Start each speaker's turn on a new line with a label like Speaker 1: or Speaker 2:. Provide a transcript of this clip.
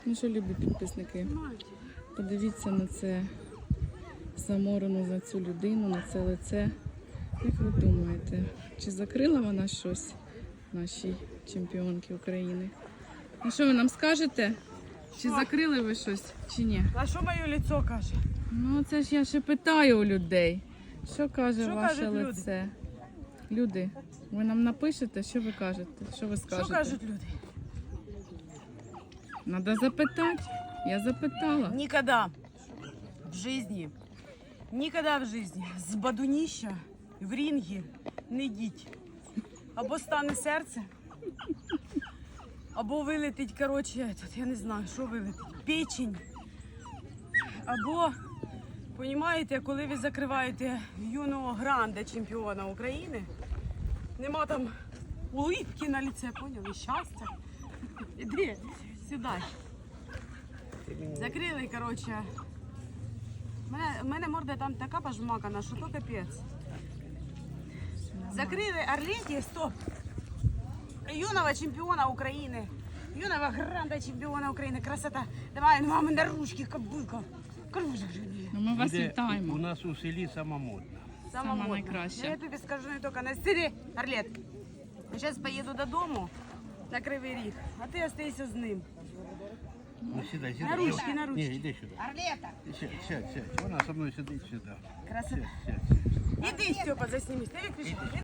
Speaker 1: Ну що, любі підписники, подивіться на це заморену за цю людину, на це лице. Як ви думаєте, чи закрила вона щось нашій чемпіонці України? Ну що ви нам скажете? Чи закрили ви щось, чи ні?
Speaker 2: А що моє лицо каже?
Speaker 1: Ну це ж я ще питаю у людей. Що каже
Speaker 2: Що
Speaker 1: ваше
Speaker 2: кажуть люди?
Speaker 1: лице? Люди, ви нам напишете, що ви кажете? Що ви скажете?
Speaker 2: Що кажуть люди?
Speaker 1: Надо запитати. Я запитала.
Speaker 2: Никогда в жизни, никогда в жизни з бадуніща в рінгі не йдіть. Або стане серце, або вилетить, коротше, я не знаю, що вилетить, печень. Або, розумієте, коли ви закриваєте юного гранда чемпіона України, нема там улыбки на лице, поняли, щастя. Іди сюди. Закрили, коротше. У мене морда там така пожмакана, що то капець. Закрили Орлеті, стоп. Юного чемпіона України. Юного гранда чемпіона України. Красота. Давай, мами, на ручки, кобилка. Кружок же.
Speaker 1: Ну, ми вас
Speaker 3: Буде
Speaker 1: вітаємо.
Speaker 3: У нас у селі сама модна.
Speaker 1: Сама
Speaker 2: модна.
Speaker 1: найкраща.
Speaker 2: Я тобі скажу не тільки на стилі, Орлет. Я зараз поїду додому на Кривий Ріг, а ти остайся з ним.
Speaker 3: Ну, сідай, сідай.
Speaker 2: На ручки, на ручки.
Speaker 3: Ні, іди сюди.
Speaker 2: Орлета.
Speaker 3: Сядь. Вона со мною сидить сюди.
Speaker 2: Красота.
Speaker 3: Сядь.
Speaker 2: Іди, Степа, заснімись. Ти виключи.